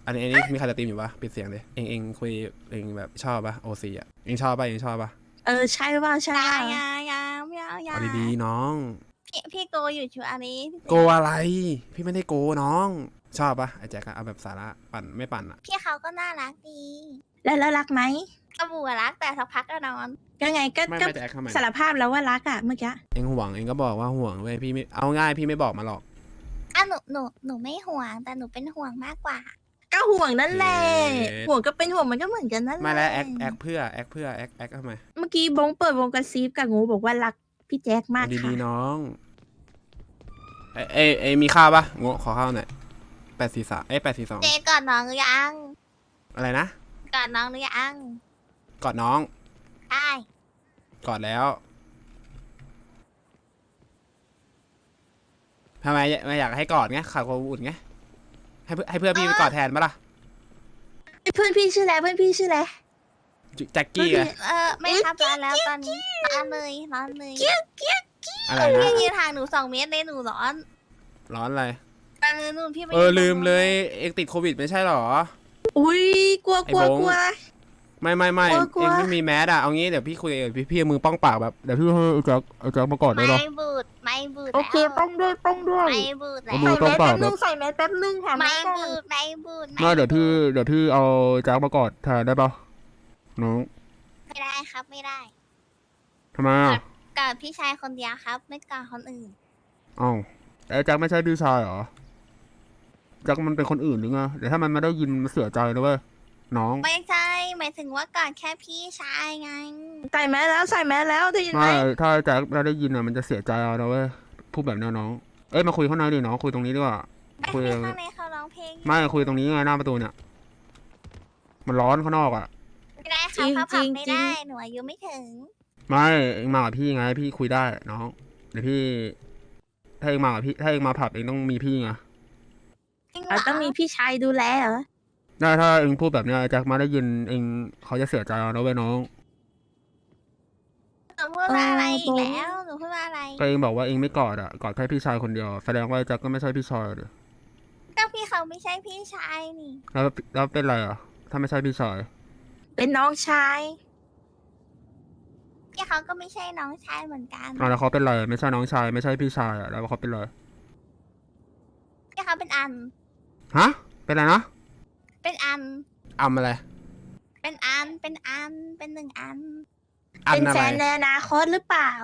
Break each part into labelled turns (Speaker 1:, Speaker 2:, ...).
Speaker 1: อันนี้มีใครจะตีมอยู่ปะปิดเสียงเลยเองคุยเองแบบชอบปะโอซีอ่ะเองชอบปะเองชอบปะ
Speaker 2: ใช่ว่าใช่
Speaker 1: เอาดีๆน้อง
Speaker 3: พี่โกอยู่ชัวอันนี้
Speaker 1: โกอะไรพี่ไม่ได้โกน้องชอบปะไอ้แจ็คอะเอาแบบสาระปั่นไม่ปั่นอะ
Speaker 3: พี่เขาก็น่ารักดี
Speaker 2: แล้วรักไหม
Speaker 3: กระบูรักแต่สักพักก็นอน
Speaker 2: ก็ไงก็
Speaker 1: ไม่แจ็คทำไม
Speaker 2: สารภาพแล้วว่ารักอะเมื่อกี้
Speaker 1: เองห่วงเองก็บอกว่าห่วงเว้ยพี่ไม่เอาง่ายพี่ไม่บอกมาหรอก
Speaker 3: หนูไม่ห่วงแต่หนูเป็นห่วงมากกว่า
Speaker 2: ก็ห่วงนั่นแหละห่วงก็เป็นห่วงมันก็เหมือนกันนั่นแหละ
Speaker 1: ไม่แล้วแอคเพื่อแอคทำไม
Speaker 2: เมื่อกี้บงเปิดวงกระซิบกับงูบอกว่ารักพี่แจ็คมาก
Speaker 1: เอา
Speaker 2: ค่ะ
Speaker 1: ดีๆน้องเอยมีข้าวปะงขอข้าวหน่อย843
Speaker 3: เจกอดน้องหรือยัง
Speaker 1: อะไรนะ
Speaker 3: กอดน้องหรือยัง
Speaker 1: กอดน้อง
Speaker 3: ใช่
Speaker 1: กอดแล้วทำไมไม่อยากให้กอดไงขาดความอบอุ่นไงให้เพื่อนพี่ไปกอดแทนปะล่ะ
Speaker 2: เพื่อนพี่ชื่ออะไรเพื่อนพี่ชื่ออะไร
Speaker 1: แจ็คกี้อะ
Speaker 3: ไม่ทำร้านแล้วตอนนี้ร้อนเลย
Speaker 1: อะไรนะ
Speaker 3: พี่ยืนห่างหนู2 เมตรเลยหนูร้อน
Speaker 1: ร้อนอะไร
Speaker 3: แต่นู่นพี่ไป
Speaker 1: ลืมเลยเองติดโควิดไม่ใช่หรอ
Speaker 2: อุ้ยกลัว
Speaker 1: ไอ้โบ๊ง ไม่
Speaker 2: กลัว
Speaker 1: เองไม่มีแมสอะเอางี้เดี๋ยวพี่คุยกับพี่เอามือป้องปากแบบเดี๋ยวพี่ให้แจ็คมากอดได้หรอ
Speaker 3: ไม่บูด
Speaker 2: โอเคต้องด้วย
Speaker 3: ไม่บูดแล้ว
Speaker 1: เอามือต้องปากแบบ
Speaker 2: ใส่แมสแป๊บนึงค่ะ
Speaker 3: ไม่
Speaker 2: ก่อน
Speaker 3: บูด
Speaker 1: ไม่เดี๋ยวที่เอาแจ็คมากอดแทนได้ปะน้อง
Speaker 3: ไม่ได้ครับไม่ได้
Speaker 1: ทำไมอะ
Speaker 3: กอดพี่ชายคนเดียวครับ ไม่กอดคนอื่น
Speaker 1: อ้าวไอ้แจ็คไม่ใช่พี่ชายเหรอแจ็คมันเป็นคนอื่นหรือไงเดี๋ยวถ้ามันไม่ได้ยินมันเสียใจนะเว้ยน้อง
Speaker 3: ไม่ใช่หมายถึงว่ากอดแค่พี่ชายไง
Speaker 2: ใส่แมสแล้วได้ยินไหม
Speaker 1: ไม่ถ้าแจ็คไม่ได้ยินอะมันจะเสียใจเอานะเว้ยพูดแบบนี้น้องเอ้ยมาคุยข้างในดิน้องคุยตรงนี้ดีกว่า
Speaker 3: ไม่
Speaker 1: คุย
Speaker 3: พี่ข้างในเขาร้องเพลง
Speaker 1: ไม่คุยตรงนี้ไงหน้าประตูเนี่ยมันร้อนข้างนอกอะ
Speaker 3: ไม่ได้ครับเขาผับไม่ได้หนูอายุไม่ถึง
Speaker 1: ไม่เองมากับพี่ไงพี่คุยได้น้องเดี๋ยวพี่ถ้าเองมากับพี่ถ้าเองมาผับเองต้องมีพี่ไง
Speaker 3: จริงเหร
Speaker 2: เราต้องมีพี่ชายดูแลเหรอ
Speaker 1: ถ้าเองพูดแบบเนี้ยแจ็คมาได้ยินเองเขาจะเสียใจเอานะเว้ยน้อง
Speaker 3: หนูพูดว่าอะไรอีกแล้วหนูพูดว่าอะไร
Speaker 1: ก็เองบอกว่าเองไม่กอดอ่ะกอดแค่พี่ชายคนเดียวแสดงว่าแจ็คก็ไม่ใช่พี่ชายเลย
Speaker 3: ก็พี่เขาไม่ใช่พี่ชายนี่
Speaker 1: แล้วเป็นไรอ่ะถ้าไม่ใช่พี่ชาย
Speaker 2: เป็นน้องชาย
Speaker 3: พี่เขาก็ไม่ใช่น้องชายเหมือนกัน
Speaker 1: แล้วเขาเป็นไรไม่ใช่น้องชายไม่ใช่พี่ชายอ่ะแล้วเขาเป็นไร
Speaker 3: พี่เขาเป็นอัน
Speaker 1: ฮะเป็นไรนะ
Speaker 3: เป็นอัน
Speaker 1: อะไร
Speaker 3: เป็น1 อัน
Speaker 1: อัน
Speaker 2: เป็น
Speaker 1: อะ
Speaker 2: แฟ
Speaker 1: ไร
Speaker 2: นในอนาคตหรือเปล่า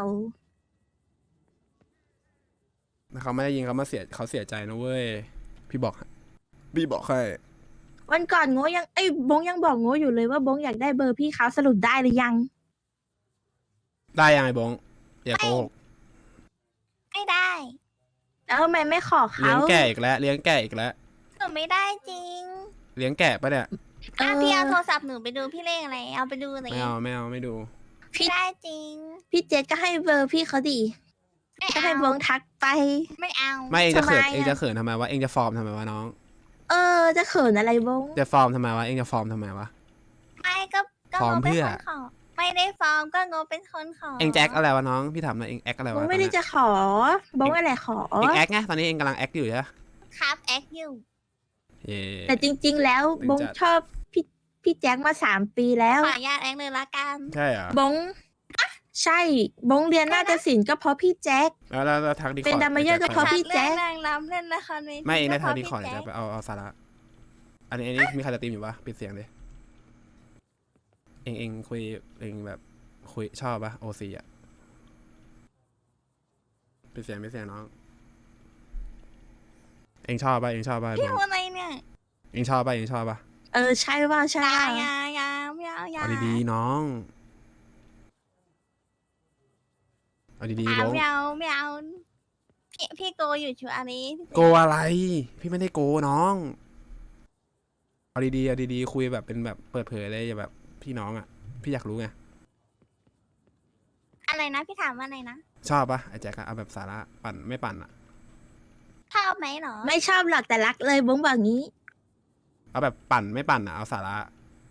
Speaker 1: เขาไม่ได้ยินเขาเสียใจนะเว้ยพี่บอกให้
Speaker 2: วันก่อนโง่ยังบงยังบอกโง่อยู่เลยว่าบงอยากได้เบอร์พี่เขาสรุปได้หรือยัง
Speaker 1: ได้ยังไงบงอย่าโกหก
Speaker 3: ไม่ได้
Speaker 2: แล้วทำไมไม่ขอ
Speaker 1: เลี้ย
Speaker 2: เขา
Speaker 1: งแก่อีกแล้วเลี้ยงแก่อีกแล้ว
Speaker 3: หนูไม่ได้จริง
Speaker 1: เลี้ยงแก่ปะเนี่ย
Speaker 3: พี่เอาโทรศัพท์หนูไปดูพี่เลขอะไรเอาไปดูหน่อย
Speaker 1: ไม่ดู
Speaker 3: ไม่ได้จริง
Speaker 2: พี่เจษก็ให้เบอร์พี่เขาดี
Speaker 3: ไม่
Speaker 2: ก็
Speaker 3: เอา
Speaker 2: ให้บงทักไป
Speaker 3: ไม่เอา
Speaker 1: ไม่เองจะเขิน
Speaker 2: ทำไมอะ
Speaker 1: เองจะเขินทำไมวะเองจะฟอร์มทำไมวะน้อง
Speaker 2: จะเขินอะไรบง
Speaker 1: จะฟอร์มทำไมวะเองจะฟอร์มทำไมวะ
Speaker 3: ไม่ก็
Speaker 1: ฟอร์ม
Speaker 3: งบเป็น
Speaker 1: เพื่อ
Speaker 3: คนขอไม่ได้ฟอร์มก็งบเป็นคนขอ
Speaker 1: เองแจ็คอะไรวะน้องพี่ถามหน่อยเองแอคอะไร
Speaker 2: บ
Speaker 1: วะ
Speaker 2: งไม่ได้จะขอบงอะไรขอ
Speaker 1: เองแอคไงตอนนี้เองกำลังแอคอยู่ใช่ไหม
Speaker 3: ครับแอคอยู่
Speaker 1: เย่
Speaker 2: แต่จริง ๆ แล้ว
Speaker 1: ถึง
Speaker 2: บง
Speaker 1: จะ
Speaker 2: ชอบพี่แจ็คมา3 ปีแล้ว
Speaker 3: ขออนุญาตแอคเลยละกัน
Speaker 1: ใช่เหรอบ
Speaker 2: งใช่บงเรียนนาฏศิลป์ก็เพราะพี่แจ็ค
Speaker 1: แล้วทักดีคอร์ด
Speaker 2: เป็นดัมเมเยอร์ก็เพราะ พี่แจ๊ค
Speaker 3: เล่นนางรำเล่นละครเวที
Speaker 1: ไม่เองได้ทักดี
Speaker 3: ก็
Speaker 1: คอร์ด
Speaker 3: เพ
Speaker 1: เดี๋ยว
Speaker 3: ราะ
Speaker 1: จะไปเอาสาระอันนี้มีใครจะตีมอยู่ปะปิดเสียงเลยเองคุยเองแบบคุยชอบปะโอซีอ่ะปิดเสียงน้องเองชอบปะ
Speaker 3: พี่พูดอะไรเนี่ย
Speaker 1: เองชอบปะ
Speaker 2: ใช่ว่าใช่
Speaker 3: ยา
Speaker 1: เอาดีๆน้องเอาดีๆบง
Speaker 3: ไม่เอาพี่โกอยู่ชัวอันนี้
Speaker 1: โกอะไรพี่ไม่ได้โกน้องเอาดีๆคุยแบบเป็นแบบเปิดเผยเลยอย่าแบบพี่น้องอ่ะพี่อยากรู้ไง
Speaker 3: อะไรนะพี่ถามว่าอะไรนะ
Speaker 1: ชอบปะไอ้แจ็คอะเอาแบบสาระปั่นไม่ปั่นอะ
Speaker 3: ชอบไหมเหรอ
Speaker 2: ไม่ชอบหรอกแต่รักเลยบงบอกงี้
Speaker 1: เอาแบบปั่นไม่ปั่นอะเอาสาระ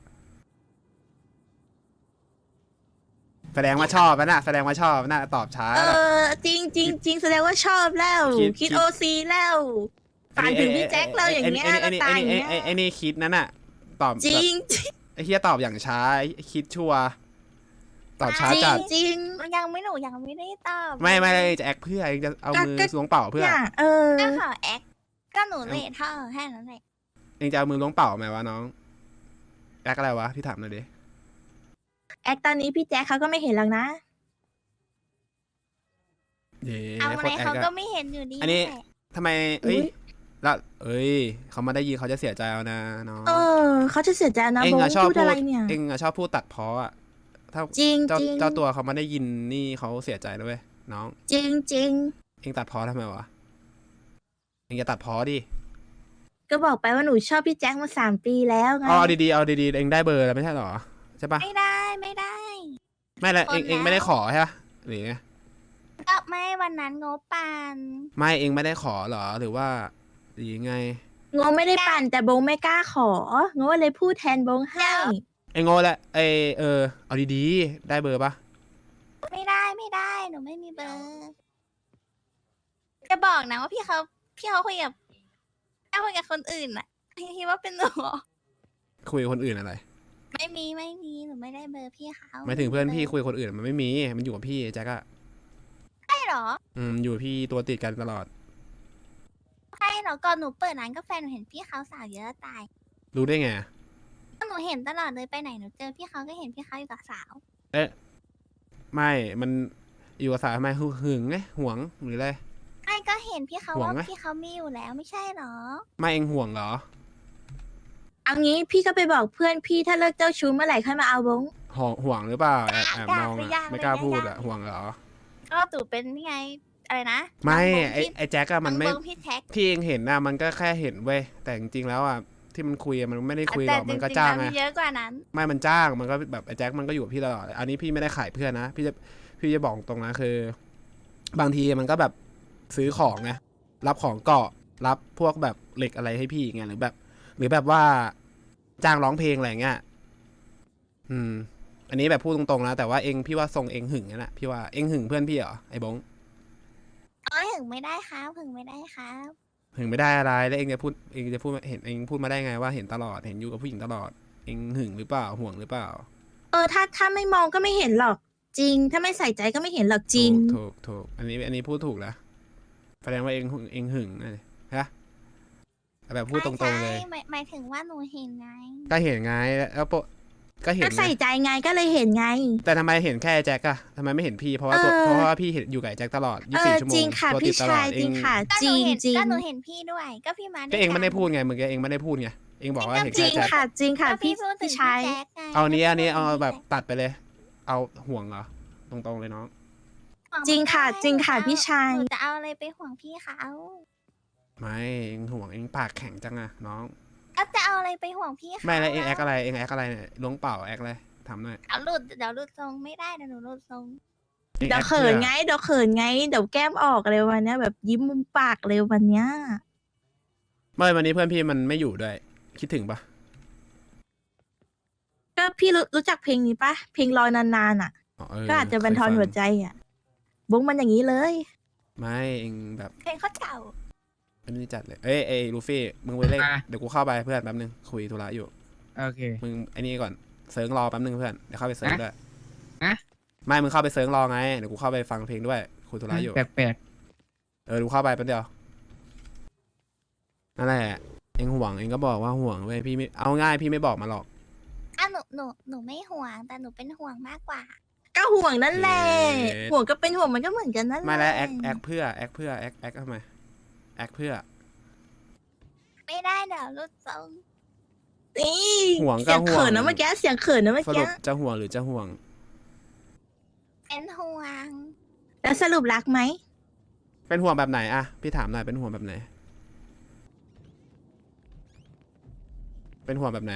Speaker 1: แสดงว่าชอบนะแสดงว่าชอบนะตอบช้า
Speaker 2: จริงแสดงว่าชอบแล้ว
Speaker 1: คิด
Speaker 2: คิดโอซีแล้วฝันถึงพี่แจ็คเลยอย่างเงี้ย
Speaker 1: ไอ้นี่
Speaker 2: ตายอย่างเงี้ย
Speaker 1: ไอ้นี่คิดนั่นน่ะตอบ
Speaker 2: จริง
Speaker 1: ไอ้เฮียตอบอย่างช้าไอ้คิดชัวร์ตอบช้าจัด
Speaker 2: จริง
Speaker 3: ยังไม่หนูยังไม่ได้ตอบ
Speaker 1: ไม่จะแอคเพื่อเองจะเอามือล้วงเป่าเพื่อ
Speaker 2: เนี่ย
Speaker 3: ก็ขอแอคก็หนูเลทเธอแค่นั้นแหละ
Speaker 1: เองจะเอามือล้วงเป่าไหมวะน้องแอคอะไรวะพี่ถามหน่อยดิ
Speaker 2: แอคตอนนี้พี่แจ็คเขาก็ไม่เห็นหรอกนะ
Speaker 1: เย้
Speaker 3: เอา
Speaker 1: โค
Speaker 3: อะไร
Speaker 1: ตรแอค
Speaker 3: เขาก็
Speaker 1: อะ
Speaker 3: ไม่เห็นอยู่ดี
Speaker 1: อันนี้
Speaker 3: แหละ
Speaker 1: ทำไมเอ้ยแล้วเขามาได้ยินเขาจะเสียใจเอานะน้อง
Speaker 2: เขาจะเสียใจนะ
Speaker 1: เอง
Speaker 2: โบ
Speaker 1: อะ
Speaker 2: ง
Speaker 1: ชอบ
Speaker 2: พูด
Speaker 1: พู
Speaker 2: อะไร
Speaker 1: ด
Speaker 2: เนี่ย
Speaker 1: เองอะชอบพูดตัดพ้ออะถ้า
Speaker 2: จริง
Speaker 1: เจ้า
Speaker 2: จริง
Speaker 1: เจ้าตัวเขามาได้ยินนี่เขาเสียใจด้วยเวยน้อง
Speaker 2: จริงจริง
Speaker 1: เองตัดพ้อทำไมวะเองจะตัดพ้อดิ
Speaker 2: ก็บอกไปว่าหนูชอบพี่แจ็คมา3 ปีแล้วไง
Speaker 1: เอาดีๆเอาดีๆเองได้เบอร์แล้วไม่ใช่หรอใช่ปะ
Speaker 3: ไม่ได้ไม่ได้
Speaker 1: ไม่ละเอง
Speaker 3: คนแล้ว
Speaker 1: เองไม่ได้ขอใช่ปะหรือไง
Speaker 3: ก็ไม่วันนั้นงบปาน
Speaker 1: ไม่เองไม่ได้ขอเหรอหรือว่าหรือยังไง
Speaker 2: งงไม่ได้ปั่นแต่โบงไม่กล้าของงเลยพูดแทนโบงให้
Speaker 1: ไอ้โง่แหละเอาดีๆได้เบอร์ปะ
Speaker 3: ไม่ได้หนูไม่มีเบอร์จะบอกนะว่าพี่เขาคุยกับคนอื่นน่ะพี่คิดว่าเป็นหนูเหรอ
Speaker 1: คุยกับคนอื่นอะไร
Speaker 3: ไม่มีหนูไม่ได้เบอร์พี่เขา
Speaker 1: หมายถึงเพื่อนพี่คุยกับคนอื่นมันไม่มีมันอยู่กับพี่แจ็คอะ
Speaker 3: ใช่เหรอ
Speaker 1: อยู่กับพี่ตัวติดกันตลอด
Speaker 3: ใช่เหรอก่อนหนูเปิดร้านกาแฟหนูเห็นพี่เขาสาวเยอะตาย
Speaker 1: รู้ได้ไง
Speaker 3: ก็หนูเห็นตลอดเลยไปไหนหนูเจอพี่เขาก็เห็นพี่เขาอยู่กับสาว
Speaker 1: ไม่มันอยู่กับสาวทำไมหึงไงหวงหรืออะไร
Speaker 3: ไอ้ก็เห็นพี่เขา
Speaker 1: ห่วง
Speaker 3: ว่า
Speaker 1: ไหม
Speaker 3: พี่เขามีอยู่แล้วไม่ใช่เหรอ
Speaker 1: ไม่เองห่วงเหรอ
Speaker 2: เอางี้พี่ก็ไปบอกเพื่อนพี่ถ้าเลิกเจ้าชู้เมื่อไหร่ค่อยมาเอาโบง
Speaker 1: ห่วงหรือเปล่าแอบมองอะไม่กล้าพูดอะห่วงเหรอ
Speaker 3: ก็ตู่เป็นนี่ไงอะไรนะ
Speaker 1: ไม่
Speaker 3: น้องบงพี่
Speaker 1: ไอ้แจ็คอะมันไม่
Speaker 3: น้องบงพี่แท็ก
Speaker 1: ที่เองเห็นนะมันก็แค่เห็นเว้ยแต่จริงๆแล้วอะที่มันคุยอะมันไม่ได้คุยหรอกมันก็จ้างไง
Speaker 3: แต่จริๆแล้วมีเยอะกว่านั้น
Speaker 1: ไม่มันจ้างมันก็แบบไอ้แจ็คมันก็อยู่กับพี่ตลอดอันนี้พี่ไม่ได้ขายเพื่อนนะพี่จะบอกตรงนะคือ บางทีมันก็แบบซื้อของไงรับของเกาะรับพวกแบบเหล็กอะไรให้พี่ไงหรือแบบว่าจ้างร้องเพลงอะไรเงี้ยอันนี้แบบพูดตรงๆนะแต่ว่าเองพี่ว่าทรงเองหึงนั่นแหละพี่ว่าเองหึงเพื่อนพี่เหรอไอ้บง
Speaker 3: ถึงไม่ได้ครับถึงไม่ได้ครับ
Speaker 1: หึงไม่ได้อะไรแล้วเองจะพูดเห็นเองพูดมาได้ไงว่าเห็นตลอดเห็นอยู่กับผู้หญิงตลอดเองหึงหรือเปล่าห่วงหรือเปล่า
Speaker 2: ถ้าไม่มองก็ไม่เห็นหรอก จริง ถ้าไม่ใส่ใจก็ไม่เห็นหรอกจริง
Speaker 1: ถูกอันนี้พูดถูกแล้วแสดงว่าเองหึงนะฮะแบบพูดตรงๆเลย
Speaker 3: ใช่หมายถึงว่าหนูเห็นไง
Speaker 1: ก็เห็นไงแล้วก็เห็น
Speaker 2: ก็ใส่
Speaker 1: ไง
Speaker 2: ใจไงก็เลยเห็นไง
Speaker 1: แต่ทำไมเห็นแค่แจ็คอะทำไมไม่เห็นพี่เพราะว่าพี่เห็นอยู่กับแจ็คตลอด24 ชั่วโม
Speaker 2: จริ
Speaker 1: ง
Speaker 2: งค่ะ
Speaker 1: ตัวติ
Speaker 2: พี่
Speaker 1: ดตลอ
Speaker 2: ชา
Speaker 1: ด
Speaker 2: ย
Speaker 1: เอ
Speaker 2: จริ
Speaker 1: ง
Speaker 2: งค่ะ
Speaker 3: ก็
Speaker 2: จ
Speaker 3: หนู
Speaker 2: ริง
Speaker 3: เห็น
Speaker 2: จริง
Speaker 3: ก็หนูเห็นพี่ด้วย ก็พี่มาด้วย
Speaker 1: ก็เองไม่ได้
Speaker 3: กัน
Speaker 1: พูดไงเมื่อกี้เองไม่ได้พูดไงเองบอกว่าเห็น
Speaker 2: จริ
Speaker 1: แค่
Speaker 2: ง
Speaker 1: แจ็ค
Speaker 2: ค่ะจริงค่ะ
Speaker 3: ก็
Speaker 2: พี่
Speaker 3: พูดถึ
Speaker 2: พี่
Speaker 3: ง
Speaker 2: ชาย
Speaker 3: แจ็คไง
Speaker 1: เอานี้เอา
Speaker 3: พูดถึง
Speaker 1: แบบ
Speaker 3: พี่
Speaker 1: ตัดไปเลย เอาห่วงเหรอตรงๆเลยน้อง
Speaker 3: แจ็ค
Speaker 2: จริงค่ะ
Speaker 3: ไม่ได้
Speaker 2: จริงค่ะ
Speaker 3: หนู
Speaker 2: พี่ชาย
Speaker 3: หนูจะเอาอะไรไปห่วงพี่เขา
Speaker 1: ไม่เองห่วงเองปากแข็งจังอะน้อง
Speaker 3: ก็จะเอาอะไรไปห่วงพี่เขา
Speaker 1: ไม่แล้วเองแอคอะไรเนี่ยล้วงเป่าแอคอะไรทำหน่อย
Speaker 3: เดี๋ยวหลุดทรงไม่ได้เดี๋ยวหนูหลุดทรง
Speaker 1: อง
Speaker 2: เดี๋ยว
Speaker 1: แอค
Speaker 2: เขิน
Speaker 1: พื่อ
Speaker 2: ไงเดี๋ยวเขินไงเดี๋ยวแก้มออกเลยวันเนี้ยแบบยิ้มมุมปากเลยวันเนี้ย
Speaker 1: ไม่วันนี้เพื่อนพี่มันไม่อยู่ด้วย คิดถึงปะ
Speaker 2: ก็พี่รู้จักเพลงนี้ปะเพลงรอนานๆอ่ะ ก็อาจจะบรรทอนหัวใจอ่ะบงมันอย่างนี้เลย
Speaker 1: ไม่เองแบบ
Speaker 3: เพลงเขาเก่า
Speaker 1: อันนี้จัดเลยเอ้ยลูฟี่มึงไปเล่นเดี๋ยวกูเข้าไปเพื่อนแป๊บนึงคุยธุระอยู่
Speaker 4: โอเค
Speaker 1: มึงไอ้นี่ก่อนเซิร์งรอแป๊บนึงเพื่อนเดี๋ยวเข้าไปเซิร์งด้วย
Speaker 4: ฮะ
Speaker 1: ไม่มึงเข้าไปเซิร์งรอไงเดี๋ยวกูเข้าไปฟังเพลงด้วยคุยธุระอยู่
Speaker 4: แปลก
Speaker 1: ดูเข้าไปแป๊บเดียวนั่นแหละเองห่วงเองก็บอกว่าห่วงเว้ยพี่ไม่เอาง่ายพี่ไม่บอกมาหรอก
Speaker 3: หนูไม่ห่วงแต่หนูเป็นห่วงมากกว่า
Speaker 2: ก็ห่วงนั่นแหละห่วงก็เป็นห่วงมันก็เหมือนกันนั่นแหละ
Speaker 1: ไม่แล้วแอคเพื่อแอคทำไมแอคเพื่อ
Speaker 3: ไม่ได้เดี๋ยวหลุดทรง
Speaker 2: นี่
Speaker 1: ห่วงก็
Speaker 2: เสียง
Speaker 1: ห่วง
Speaker 2: เขินนะเมื่อกี้เสียงเขินนะเมื่อ
Speaker 1: สรุ
Speaker 2: กี้
Speaker 1: ปจะห่วงหรือจะห่วง
Speaker 3: เป็นห่วง
Speaker 2: แล้วสรุปรักไหม
Speaker 1: เป็นห่วงแบบไหนอะพี่ถามหน่อยเป็นห่วงแบบไหนเป็นห่วงแบบไหน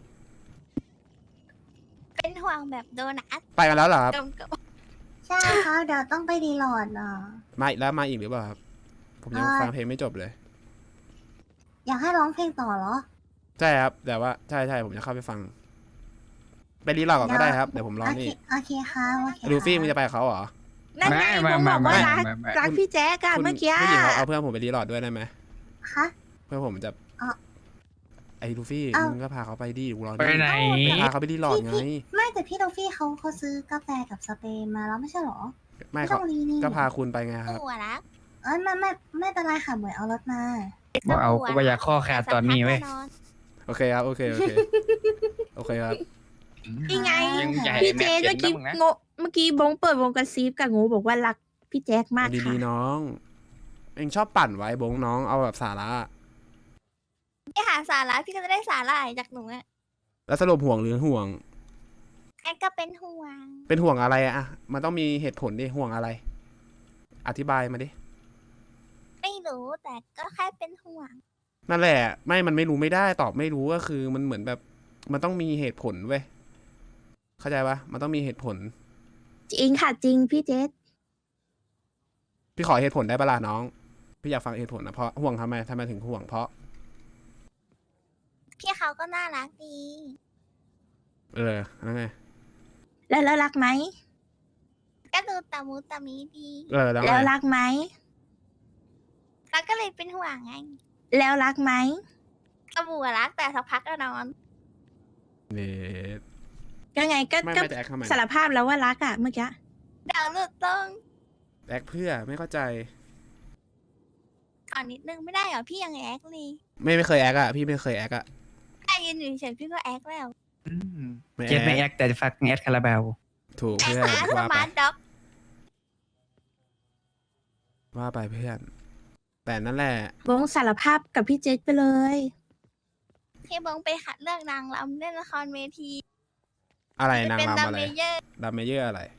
Speaker 3: เป็นห่วงแบบโดนัท
Speaker 1: ไปกันแล้วเหรอครับ
Speaker 3: กับ
Speaker 5: ใช่ครับเดี๋ยวต้องไปดีโหลดเหรอ
Speaker 1: มาอีกแล้วมาอีกหรือเปล่าครับผมยังฟังเพลงไม่จบเลย
Speaker 5: อยากให้ร้องเพลงต่อเหรอ
Speaker 1: ใช่ครับแต่ว่าใช่ผมจะเข้าไปฟังไปรีลอก่อนก็ได้ครับเดี๋ยวผมรอ
Speaker 5: โอเค
Speaker 1: นี่
Speaker 5: โอเคครับโอเค
Speaker 1: ลูฟี่มึงจะไปกับเขาเหรอ
Speaker 2: นั่นไงบงบอกว่ารัก
Speaker 4: ไม่
Speaker 2: รักพี่แจ๊กอะ
Speaker 1: คุณ
Speaker 2: เมื่อกี้
Speaker 1: ผู้หญิงเขาเอาเพื่อนผมไปรีลอดด้วยได้ไหม
Speaker 5: คะ
Speaker 1: เพื่อผมจะ
Speaker 5: อ๋อ
Speaker 1: ไอ้ลูฟี่
Speaker 5: อ้าว
Speaker 1: มึงก็พาเขาไปดิกูรอ
Speaker 4: ไปไหน
Speaker 1: พาเขาไปดีหลอดไง
Speaker 5: ไม่แต่พี่โดฟี่เขาซื้อกาแฟกับสเปรย์มาแล้วไม่ใช่เหรอ
Speaker 1: ไม่
Speaker 5: ต้
Speaker 1: เขา
Speaker 5: องรีนี่
Speaker 1: ก็พาคุณไปไงครับ
Speaker 3: หัวรัก
Speaker 5: ไม่เป็นไรค่ะเหมยเอารถมา
Speaker 4: บ่เอากูบ่อยากข้อขาดตอนนี้เว้ย
Speaker 1: โอเคครับ โอเค โอเค โอเคครับ
Speaker 2: นี่ไง
Speaker 4: ยังใหญ่
Speaker 2: พี่เจ
Speaker 4: แม็
Speaker 2: เมื่อกี้
Speaker 4: นะ
Speaker 2: โงเมื่อกี้บงเปิดวงกระซิบกับงูบอกว่ารักพี่แจ็คมาก
Speaker 1: ดี
Speaker 2: ค่ะ
Speaker 1: ๆน้อง เองชอบปั่นไว้บงน้องเอาแบบสาระ
Speaker 3: พี่หาสาระพี่ก็จะได้สาระจากหนูอะ
Speaker 1: แล้วสรุปห่วงหรือห่วง
Speaker 3: แอนก็เป็นห่วง
Speaker 1: เป็นห่วงอะไรอะมันต้องมีเหตุผลดิห่วงอะไร อธิบายมาดิ
Speaker 3: ไม่รู้แต่ก็แค่เป็นห่วง
Speaker 1: นั่นแหละ ไม่มันไม่รู้ไม่ได้ตอบไม่รู้ก็คือมันเหมือนแบบ มันต้องมีเหตุผลเว้ยเข้าใจปะมันต้องมีเหตุผล
Speaker 2: จริงค่ะจริงพี่เจษ
Speaker 1: พี่ขอเหตุผลได้ปะล่ะน้อง พี่อยากฟังเหตุผลนะเพราะห่วงทำไมถึงห่วงเพราะ
Speaker 3: พี่เขาก็น่ารักดี
Speaker 1: แล้วไง
Speaker 2: แล้วรักไหม
Speaker 3: ก็ดูตามูตามีดี
Speaker 1: แล้วไง
Speaker 2: แล้วรักไหม
Speaker 3: แล้วก็เลยเป็นห่วงไง
Speaker 2: แล้วรักไหม
Speaker 3: ก็บัวรักแต่สักพักก็นอน
Speaker 1: เนท
Speaker 2: ก็ไงก็
Speaker 1: ไม่
Speaker 2: ก็
Speaker 1: จะแอคทำไม
Speaker 2: สารภาพแล้วว่ารักอ่ะเมื่อกี้
Speaker 3: เดี๋ยวหลุดตรง
Speaker 1: แอคเพื่อไม่เข้าใจ
Speaker 3: ก่อนนิดนึงไม่ได้เหรอพี่ยังแอคเลย
Speaker 1: ไม่เคยแอคอะพี่ไม่เคยแอคอะ
Speaker 3: แค่ยืนอยู่เฉยๆพี่ก็แอคแล้ว
Speaker 4: อืม
Speaker 1: ไม่
Speaker 4: เจ็ดไม่
Speaker 1: แอ
Speaker 4: แอ
Speaker 1: ค
Speaker 4: คแต่ฟักแอดคาราบาว
Speaker 1: ถูก
Speaker 3: แอค
Speaker 1: เพื่อน
Speaker 3: หาส
Speaker 1: ว่าไป
Speaker 3: มาร์ทด็อก
Speaker 1: ว่าไปเพื่อน แต่นั่นแหละ
Speaker 2: บงสารภาพกับพี่เจษไปเลย
Speaker 3: พี่บงไปหัดเลือกนางรำเล่นละครเวที
Speaker 1: อะไร
Speaker 3: จะ
Speaker 1: นาง
Speaker 3: เป็น
Speaker 1: รำ
Speaker 3: ดัม
Speaker 1: อะไร
Speaker 3: เมเยอร์
Speaker 1: ดัมเมเยอร์อะไร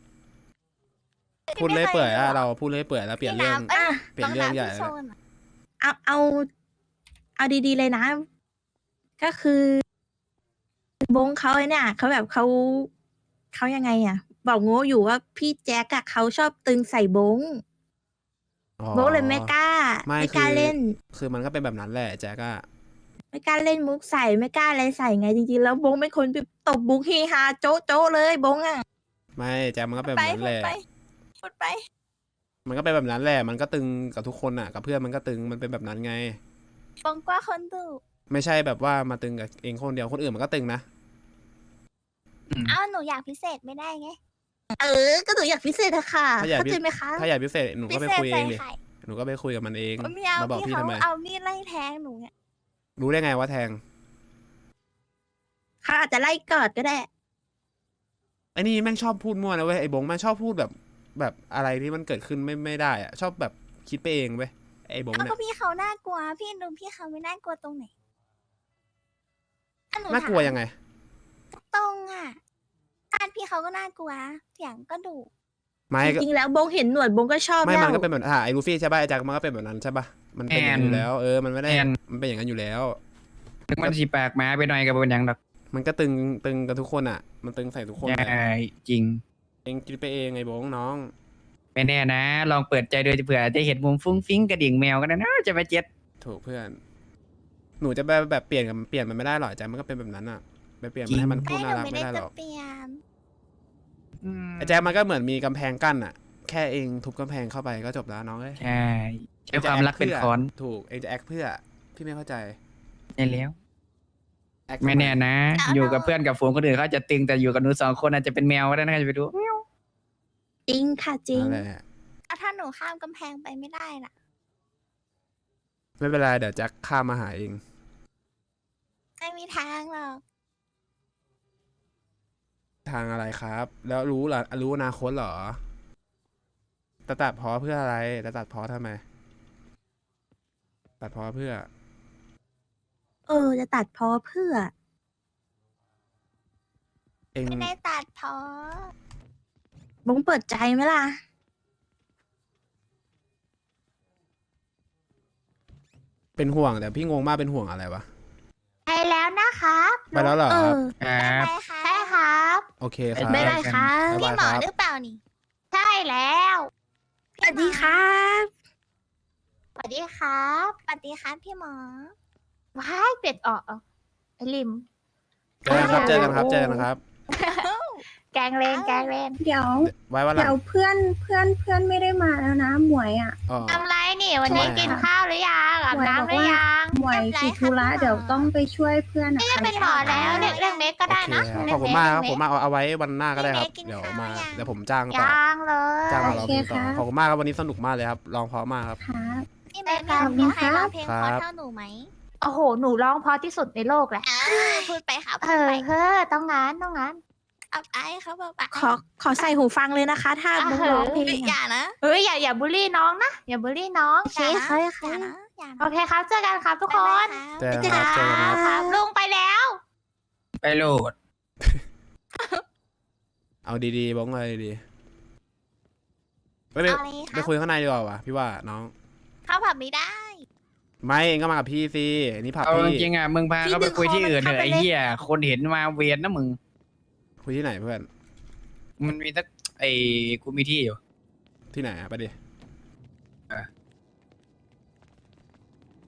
Speaker 1: พูดเลื่อยเปื่อยอะเราพูดเลื่อยเปื่อยแล้วเปลี่ยนเรื่อง
Speaker 2: อ่ะ
Speaker 1: เปลี่ยนเรื่องใหญ่
Speaker 3: พี่
Speaker 1: แล้ว
Speaker 3: โซ
Speaker 1: เนี่ย
Speaker 3: นอะ
Speaker 2: เอาดีๆเลยนะ ก็คือบงเขาเนี่ยเขาแบบเขายังไงอ่ะ บอกโง่อยู่ว่าพี่แจ็คอะเขาชอบตึงใส่บง
Speaker 1: อ๋อ
Speaker 2: บงเลยไม่กล้า
Speaker 1: ไม่
Speaker 2: ไม่กล้า
Speaker 1: คือ
Speaker 2: เล่น
Speaker 1: คือมันก็เป็นแบบนั้นแหละแจ๊กอะ
Speaker 2: ไม่กล้าเล่นมุกใส่ไม่กล้าอะไรใส่ไงจริงๆแล้วบงเป็นคนแบบตบบุกฮีฮาโจ๊ะโจ๊ะเลยบงอ่ะ
Speaker 1: ไม่แจ๊กมันก็เป็นแบ
Speaker 3: ไป
Speaker 1: บนั้น
Speaker 3: พู
Speaker 1: แห
Speaker 3: ด
Speaker 1: ละ
Speaker 3: ไปพูดไป
Speaker 1: มันก็เป็นแบบนั้นแหละ มันก็ตึงกับทุกคนอะกับเพื่อนมันก็ตึง มันเป็นแบบนั้นไง
Speaker 3: บงกว่าคนดู
Speaker 1: ไม่ใช่แบบว่ามาตึงกับเองคนเดียวคนอื่นมันก็ตึงนะ
Speaker 3: อ้าวหนูอยากพิเศษไม่ได้ไง
Speaker 2: ก็หนูอยากพิเศษอะค่ะ
Speaker 1: ถ้าอยาก
Speaker 2: เข้าใจไหมคะ
Speaker 1: ถ้าอยากพิเศษหนู
Speaker 3: พิ
Speaker 1: ก็ไป
Speaker 3: เศษ
Speaker 1: คุยเอ
Speaker 3: ใส่
Speaker 1: งดิ
Speaker 3: ไข่
Speaker 1: หนูก็ไปคุยกับมันเอง
Speaker 3: ไม่เอา
Speaker 1: มาบอก
Speaker 3: พี่
Speaker 1: พี่
Speaker 3: เขา
Speaker 1: ทำไม
Speaker 3: เอามีดไล่แทงหนูเนี่ย
Speaker 1: รู้ได้ไงว่าแทง
Speaker 2: เขาอาจจะไล่กอดก็ได้
Speaker 1: ไอ้นี่แม่งชอบพูดมั่วนะเว้ยไอ้บงแม่งชอบพูดแบบอะไรที่มันเกิดขึ้นไม่ได้อะชอบแบบคิดไปเองเว้ยไอ้บง
Speaker 3: เอา
Speaker 1: เนี่
Speaker 3: ก็
Speaker 1: ย
Speaker 3: พี่เขาน่ากลัว พี่ดูพี่เขาไม่น่ากลัวตรงไหนอ่ะห
Speaker 1: น่ากลัวยังไง
Speaker 3: ตรงอ่ะบ้านพี่เขาก็น่ากลัวเสียงก็ดุ
Speaker 1: ไม่
Speaker 2: จ
Speaker 1: ก็
Speaker 2: ริงๆแล้วบงเห็นหนวดบงก็ชอบ
Speaker 1: ไม่
Speaker 2: แล้ว
Speaker 1: มันก็เป็นแบบไอ้ลูฟี่ใช่ป่ะไอ้แจ็คมันก็เป็นแบบนั้นใช่ป่ะมันเป็นอย่างนั้นอยู่แล้วมันไม่ได้มันเป็นอย่างนั้นอยู่แล้ว
Speaker 4: ถึงมันสีปากหมาไปหน่อยกับเป็นหยังดอก
Speaker 1: มันก็ตึงกับทุกคนอ่ะ มันตึงใส่ทุกคน
Speaker 4: ใช่
Speaker 1: อะ
Speaker 4: จริง
Speaker 1: เองคิดไปเองไอ้บงน้อง
Speaker 4: ไม่แน่นะ ลองเปิดใจดูเผื่อจะเห็นมุมฟุ้งฟิ้งกระดิ่งแมวกันนะจะไปเจ็ด
Speaker 1: ถูกเพื่อน หนูจะแบบเปลี่ยนมันไม่ได้หรอกแจ็คมันก็เป็นแบบนั้นอ่ะไปเปลี่ยนมันให้มันพูด
Speaker 3: ไม่ห
Speaker 1: น่า
Speaker 3: นู
Speaker 1: รัก
Speaker 3: ไม่
Speaker 1: ไม่
Speaker 3: ได้
Speaker 1: ได้ห
Speaker 3: จะ
Speaker 1: รอก
Speaker 3: เปลี่ยน
Speaker 1: ไอ้แจ็คมันก็เหมือนมีกำแพงกั้นอ่ะ แค่เองทุบกำแพงเข้าไปก็จบแล้วน้องเอ้ย
Speaker 4: ใช่ใช้ความรักเป็นค้อน
Speaker 1: ถูกเองจะแอคเพื่อพี่ไม่เข้าใจ
Speaker 4: ใช่แล้ว
Speaker 1: แอค
Speaker 4: ไม่แน่นะ อยู่กับเพื่อนกับฝูงคนอื่นเขาจะตึงแต่อยู่กับหนูสองคนอาจจะเป็นแมวก็ได้นะจะไปดู
Speaker 2: จริงค่ะจริง
Speaker 1: นั่นแหละ
Speaker 3: แล้วถ้าหนูข้ามกำแพงไปไม่ได้ล่ะ
Speaker 1: ไม่เป็นไรเดี๋ยวแจ็คข้ามมาหาเอง
Speaker 3: ไม่มีทางหรอก
Speaker 1: ทางอะไรครับ แล้วรู้เหรอรู้อนาคตเหรอจะตัดเพอเพื่ออะไรจะตัดเพอทำไม ตัดเพอเพื่อ
Speaker 2: จะตัดพอเพื่อ
Speaker 1: เอง
Speaker 3: ไม่ได้ตัดพอบ
Speaker 2: งเปิดใจไหมล่ะ
Speaker 1: เป็นห่วงแต่พี่งงมากเป็นห่วงอะไรวะ
Speaker 5: ไปแล้วนะครับ
Speaker 1: ไปแล้วเหรอ
Speaker 2: เอ
Speaker 1: ครับ
Speaker 2: อ
Speaker 4: ครับ
Speaker 3: ไปค่ะ
Speaker 5: ใช่ครับ
Speaker 1: โอเคครับ
Speaker 2: ไม่ได้ครับ
Speaker 1: บ๊าย
Speaker 3: พี่
Speaker 1: บาย
Speaker 3: หม
Speaker 1: ค
Speaker 3: อ
Speaker 1: รับ
Speaker 3: หรือเปล่านี่
Speaker 5: ใช่แล้ว
Speaker 2: สวัสดีครับ
Speaker 5: สวัสดีครับ
Speaker 3: สวัสดีครับพี่หมอ
Speaker 5: ว้ายเป็ดออกไอลิม
Speaker 1: เจอกันครับเจอกันครับเจอกันครับ
Speaker 5: แก
Speaker 3: แกงเลนแกงเลน
Speaker 6: เดี๋ยว
Speaker 1: ไว้วันหลั
Speaker 6: เดี๋
Speaker 1: ง
Speaker 6: ยวเพื่อนไม่ได้มาแล้วนะหมวยอ่ะ
Speaker 1: อ๋อ
Speaker 3: ทำไรนี่วันนี้
Speaker 1: ทำไม
Speaker 3: กินข้าวหรือยังอาบน้ำหรือยัง
Speaker 6: หมวยติดธุระเดี๋ยวต้องไปช่วยเพื่อน
Speaker 3: ไม่ได้เป็นหมอแล้วเรื่องเล็กก็ได้นะ
Speaker 1: โอเคครับขอบคุณมากครับผมเอาไว้วันหน้าก็ได้ครับเดี๋ยวมาเดี๋ยวผมจ้างต่อ
Speaker 3: ยังเลย
Speaker 1: จ้างมาร้องเพลงต่อขอบคุณมากครับวันนี้สนุกมากเลยครับร้องเพราะมากครับ
Speaker 6: ครับ
Speaker 3: พี่เมย์มีใครร้องเพลงเพราะเท่าหนูไหม
Speaker 7: โอ้โห หนูร้องเพราะที่สุดในโลกแหละ
Speaker 3: พูดไปค่ะ
Speaker 7: เอ
Speaker 3: พูด
Speaker 7: อ
Speaker 3: ไป
Speaker 7: เฮ้อต้องงั้นต้องงั้น
Speaker 3: อับอายเขาแบบ
Speaker 2: ขอใส่หูฟังเลยนะคะ ถ้าบงร้องเพลง
Speaker 3: อย่า
Speaker 2: อะ
Speaker 3: นะ
Speaker 7: เฮ้ยอย่าบูลลี่น้องนะ อย่าบูลลี่น้อง
Speaker 3: โอเคค่ะอย่านะอย่า
Speaker 7: โอเคครับ เจอกันครับทุกคน
Speaker 1: เจอกันครับเจอกันครับ
Speaker 7: ครับลุงไปแล้ว
Speaker 4: ไปโหลด
Speaker 1: เอาดีๆบ้องเลยดีๆไปไปคุยข้างในดีกว่าวะพี่ว่าน้อง
Speaker 3: เข้าผับไม่ได้
Speaker 1: ไม่เองก็มากับพี่สิอันนี้ผับ
Speaker 4: เอาจ
Speaker 1: พี่
Speaker 4: ริงๆอ่ะมึงพาเขาไปคุยที่อื่นเถอะไอ้เหี้ยคนเห็นมาเวียนนะมึง
Speaker 1: คุยที่ไหนเพื่อน
Speaker 4: มันมีสักไอ้กูมีที่อยู่
Speaker 1: ที่ไหนอะไปดิ